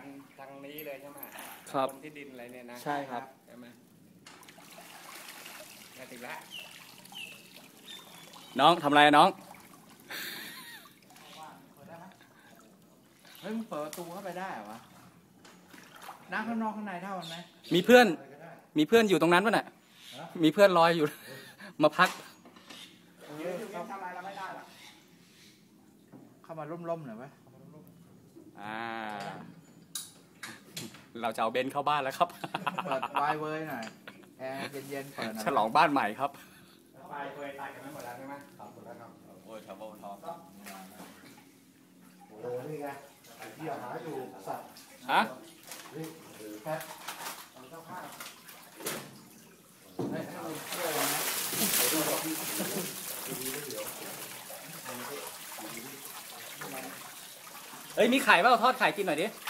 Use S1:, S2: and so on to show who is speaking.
S1: ทางนี้เลยใช่ไหม
S2: ครับ
S1: คนที่ดินอะไรเนี่ยนะ
S2: ใช่ครับ
S1: ใช่ไหมมาถึงแล้ว
S2: น้องทำอะไรน้อง
S3: เฮ้ยมึงเปิดประตูเข้าไปได้เหรอวะน้ำข้างนอกข้างในเท่ากันไหม
S2: มีเพื่อนอยู่ตรงนั้นป่ะน่ะมีเพื่อนรอยอยู่ มาพัก
S1: ทำอะไรเราไม่ได้หรอก
S3: เข้ามาร่มๆหน่อยไหม
S2: เราจะเอาเบนซ์เข้าบ้านแล้วครับ
S3: เปิดไวเว้ยหน่อยแอร์เย็นๆเปิดหน่อย
S2: ฉลองบ้านใหม่ครับ
S1: ไฟเคยตายกันไม่หมดแล้วใช่ไหมครับหมดแล้วครับ
S2: โอ้ยทับเบิลทอม
S4: โอ้โหนี่ไงไอ้ที่หาอยู่สัตว์
S2: ฮะ
S4: นี่แพ็คเอาเจ้าข้าวให้เราเที่ยวนะเดี๋ยวดูพี่ดีๆเดี๋ยว
S2: เอ้ยมีไข่เปล่าทอดไข่กินหน่อยดิ
S4: เ